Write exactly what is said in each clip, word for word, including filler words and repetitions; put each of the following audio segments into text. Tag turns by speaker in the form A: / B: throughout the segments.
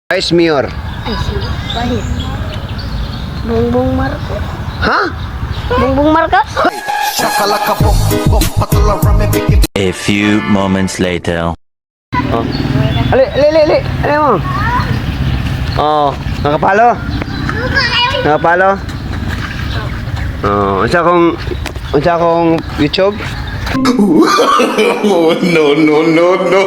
A: Vice Mayor.
B: Ay, sige. Bahit. Bongbong Marcos.
A: Ha?
B: Bongbong Marcos?
C: A few moments later.
A: Oh. Ali, ali, ali, ali. Ali mo. Oh, nakapalo. Nakapalo. Oh, unsa kong unsa kong YouTube?
D: Oh, no, no, no, no.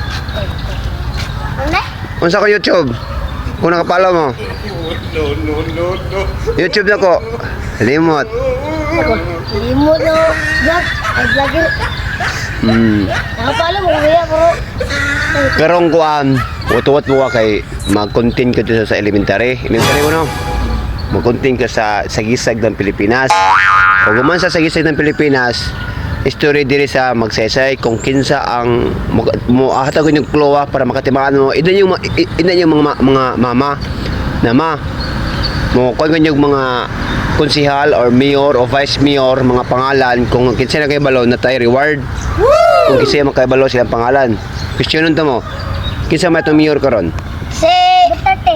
B: Ano?
A: Unsa ko YouTube? Kung nakapalo mo.
D: No, no, no, no.
A: YouTube na ko. Limot.
B: Limot no. Vlog. Ay, vlogger.
A: Hmm.
B: Nakapala mo kuya, bro.
A: Karong kuan, utuwat mo ka kay mag-content ka dito sa elementary. Elementary mo no? Mag-content ka sa sagisag ng Pilipinas. Pag guman sa sagisag ng Pilipinas, story diri sa magsaysay kung kinsa ang mag- mo ahatagon yung klowa para makatimaan mo. Idan yung ma- i- idan yung mga mga mama na ma mo kuan yung mga konsihal or mayor o vice mayor mga pangalan kung kinsa na kay balo na tay reward. Kung kinsa makabalo silang pangalan. Questionon to mo. Kinsa may itong mayor karon?
B: Si Duterte.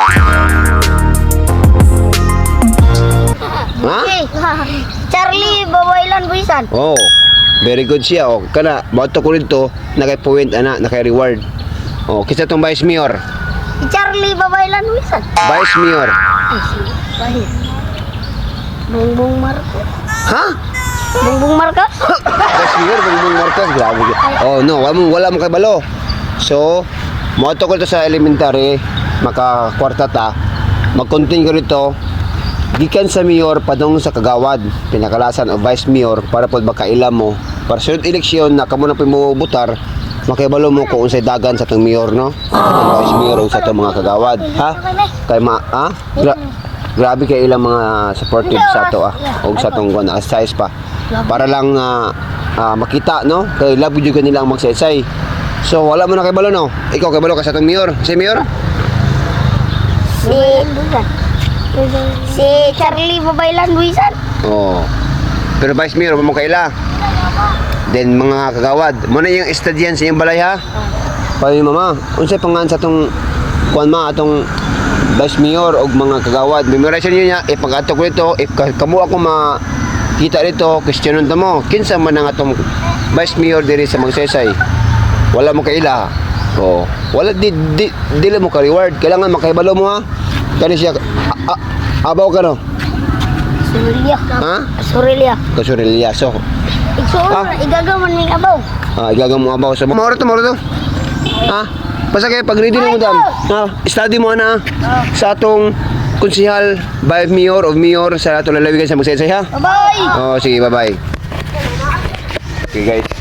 A: Ha?
B: Okay. Charlie Bawailan Buisan.
A: Oh. Very good siya. Oh, kana bato ko rito nakay point ana, nakay reward. Oh, kinsa tong vice mayor?
B: Si Charlie Bawailan Buisan.
A: Vice mayor.
B: Ay, sige. Bahit. Bongbong Marcos.
A: Ha?
B: Bongbong Marcos?
A: Vice mayor Bongbong Marcos, grabe. Oh, no, wala mo wala mo kay balo. So, moto ko to sa elementary, maka kwarta ta. Mag-continue ko rito. Gikan sa mayor padong sa kagawad, pinakalasan o vice mayor para pod makailam mo. Para sunod eleksyon na kamo na mo butar, makibalo mo kung unsay dagan sa tong mayor no. Ang vice mayor ug sa tong mga kagawad, ha? Kay ma ha? Gra- grabe kay ilang mga supportive sa to ah. Og sa tong kuan size pa. Para lang ah, ah, makita no, kay love jud nilang magsaysay. So wala mo na kay balo no. Ikaw kay balo ka sa tong mayor. Si mayor?
B: Si Si Charlie Bawailan Buisan.
A: Oh. Pero vice mayor mo kaila. Then mga kagawad, mo na yung estudyan sa iyong balay ha. Pay mama, unsay pangan sa tong kuan ma atong vice mayor og mga kagawad. Memorization niyo niya ipag-ato ko dito, if kamo ako makita dito, questionon ta mo. Kinsa man ang atong vice mayor diri sa Magsaysay? Wala mo kaila. Oh, wala di di dili mo ka reward. Kailangan makahibalo mo ha. Kani siya a, a, abaw ka no?
B: Surilya.
A: Ha?
B: Surilya.
A: Kasurilya. So,
B: Igsuon
A: Ah.
B: na igagaman ning abaw.
A: ah, igagam mo abaw sa mauro to, mauro to. Ha? Basta kayo pag ready na mo dam. Ha? Study mo na sa atong konsihal, by mayor of mayor sa atong lalawigan sa Magsaysay ha.
B: Bye-bye.
A: Oh, sige, bye-bye. Okay guys.